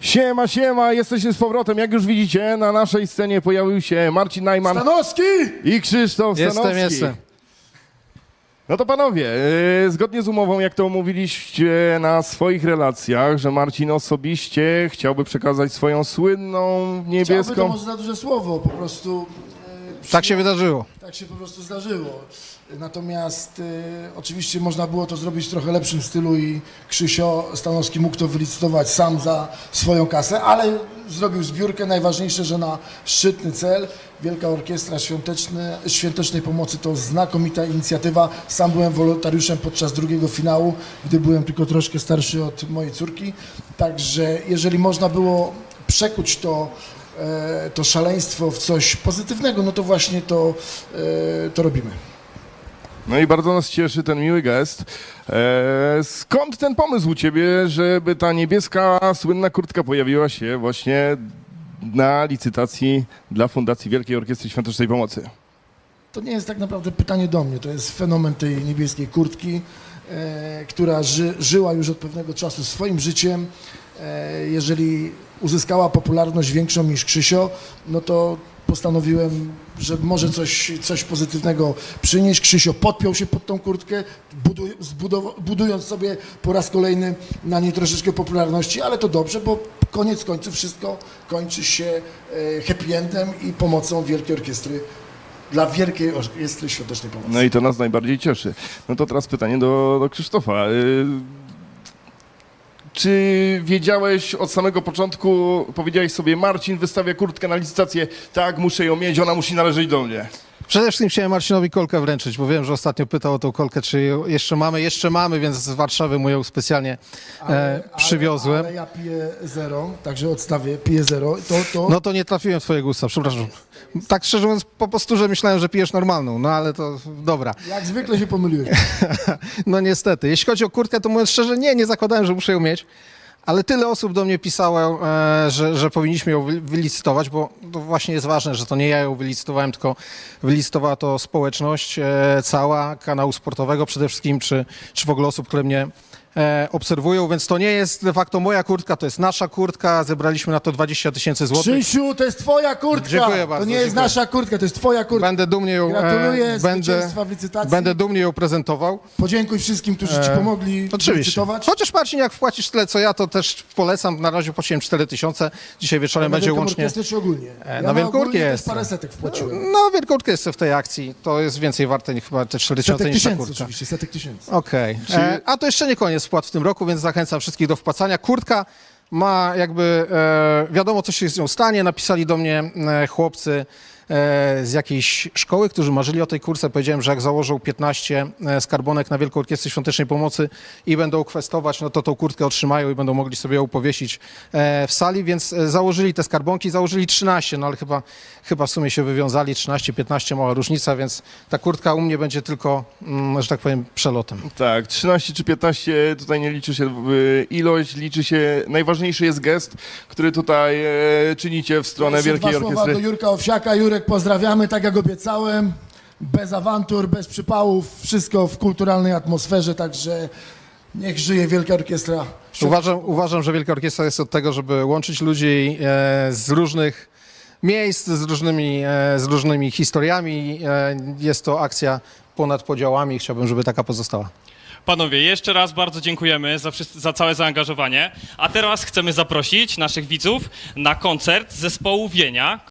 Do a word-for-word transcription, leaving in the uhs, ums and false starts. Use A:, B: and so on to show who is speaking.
A: Siema, siema, jesteście z powrotem. Jak już widzicie, na naszej scenie pojawił się Marcin Najman
B: Stanowski!
A: i Krzysztof
C: Jestem,
A: Stanowski.
C: jestem.
A: No to panowie, yy, zgodnie z umową, jak to omówiliście na swoich relacjach, że Marcin osobiście chciałby przekazać swoją słynną
B: Chciałby, to
A: niebieską...
B: może za duże słowo, po prostu e,
C: Tak się wydarzyło.
B: tak się po prostu zdarzyło. Natomiast e, oczywiście można było to zrobić w trochę lepszym stylu i Krzysio Stanowski mógł to wylicytować sam za swoją kasę, ale zrobił zbiórkę. Najważniejsze, że na szczytny cel. Wielka Orkiestra Świąteczny, Świątecznej Pomocy to znakomita inicjatywa. Sam byłem wolontariuszem podczas drugiego finału, gdy byłem tylko troszkę starszy od mojej córki. Także jeżeli można było przekuć to e, to szaleństwo w coś pozytywnego, no to właśnie to, e, to robimy.
A: No i bardzo nas cieszy ten miły gest. E, skąd ten pomysł u ciebie, żeby ta niebieska, słynna kurtka pojawiła się właśnie na licytacji dla Fundacji Wielkiej Orkiestry Świątecznej Pomocy?
B: To nie jest tak naprawdę pytanie do mnie, to jest fenomen tej niebieskiej kurtki, e, która ży, żyła już od pewnego czasu swoim życiem. E, jeżeli uzyskała popularność większą niż Krzysio, no to postanowiłem, że może coś, coś pozytywnego przynieść. Krzysio podpiął się pod tą kurtkę, buduj, zbudow- budując sobie po raz kolejny na niej troszeczkę popularności, ale to dobrze, bo koniec końców wszystko kończy się e, happy endem i pomocą Wielkiej Orkiestry dla Wielkiej Orkiestry Świątecznej Pomocy.
A: No i to nas najbardziej cieszy. No to teraz pytanie do, do Krzysztofa. Y, Czy wiedziałeś od samego początku, powiedziałeś sobie, Marcin wystawia kurtkę na licytację, tak, muszę ją mieć, ona musi należeć do mnie.
C: Przede wszystkim chciałem Marcinowi kolkę wręczyć, bo wiem, że ostatnio pytał o tą kolkę, czy ją jeszcze mamy. Jeszcze mamy, więc z Warszawy mu ją specjalnie e, przywiozłem.
B: Ale, ale ja piję zero, także odstawię, piję zero. To, to...
C: No to nie trafiłem w twoje gusta, przepraszam. Tak szczerze mówiąc, po prostu, że myślałem, że pijesz normalną, no ale to dobra.
B: Jak zwykle się pomyliłeś.
C: No niestety. Jeśli chodzi o kurtkę, to mówiąc szczerze, nie, nie zakładałem, że muszę ją mieć. Ale tyle osób do mnie pisało, e, że, że powinniśmy ją wy- wylicytować, bo to właśnie jest ważne, że to nie ja ją wylicytowałem, tylko wylicytowała to społeczność e, cała, kanału sportowego przede wszystkim, czy, czy w ogóle osób, które mnie e, obserwują, więc to nie jest de facto moja kurtka, to jest nasza kurtka, zebraliśmy na to dwadzieścia tysięcy złotych.
B: Krzysiu, to jest twoja kurtka!
C: Dziękuję bardzo,
B: To nie jest
C: dziękuję.
B: nasza kurtka, to jest twoja kurtka.
C: Będę dumnie ją,
B: Gratuluję
C: e, będę,
B: zwycięstwa w licytacji.
C: będę dumnie ją prezentował.
B: Podziękuj wszystkim, którzy ci
C: E,
B: pomogli
C: Oczywiście.
B: licytować.
C: Chociaż Marcin, jak wpłacisz tyle co ja, to też polecam. Na razie płaciłem cztery tysiące. Dzisiaj wieczorem
B: Na
C: będzie
B: Wielką
C: łącznie.
B: Orkiestrę czy ogólnie?
C: E,
B: Ja
C: na Wielką
B: ogólnie też
C: Orkiestrę.
B: parę setek wpłaciłem.
C: No, wielką jest w tej akcji. To jest więcej warte niż chyba te cztery tysiące
B: Setek
C: niż ta
B: tysięcy
C: kurtka.
B: oczywiście, setek tysięcy.
C: Okej.
A: Czy-
C: E, A to jeszcze nie koniec wpłat w tym roku, więc zachęcam wszystkich do wpłacania. Kurtka ma jakby, e, wiadomo co się z nią stanie. Napisali do mnie e, chłopcy e, z jakiejś szkoły, którzy marzyli o tej kurce. Powiedziałem, że jak założą piętnaście e, skarbonek na Wielką Orkiestrę Świątecznej Pomocy i będą kwestować, no to tą kurtkę otrzymają i będą mogli sobie ją powiesić e, w sali, więc e, założyli te skarbonki, założyli trzynaście, no ale chyba, chyba w sumie się wywiązali, trzynaście, piętnaście, mała różnica, więc ta kurtka u mnie będzie tylko, mm, że tak powiem, przelotem.
A: Tak, trzynaście czy piętnaście, tutaj nie liczy się y, ilość, liczy się, najważniejszy jest gest, który tutaj e, czynicie w stronę
B: Jeszcze
A: Wielkiej
B: dwa słowa
A: Orkiestry.
B: do Jurka Owsiaka. Jurek, pozdrawiamy, tak jak obiecałem. Bez awantur, bez przypałów, wszystko w kulturalnej atmosferze, także niech żyje Wielka Orkiestra.
C: Uważam, uważam, że Wielka Orkiestra jest od tego, żeby łączyć ludzi e, z różnych miejsc, z różnymi, e, z różnymi historiami. E, jest to akcja ponad podziałami i chciałbym, żeby taka pozostała.
D: Panowie, jeszcze raz bardzo dziękujemy za, wszys- za całe zaangażowanie. A teraz chcemy zaprosić naszych widzów na koncert zespołu Wienia,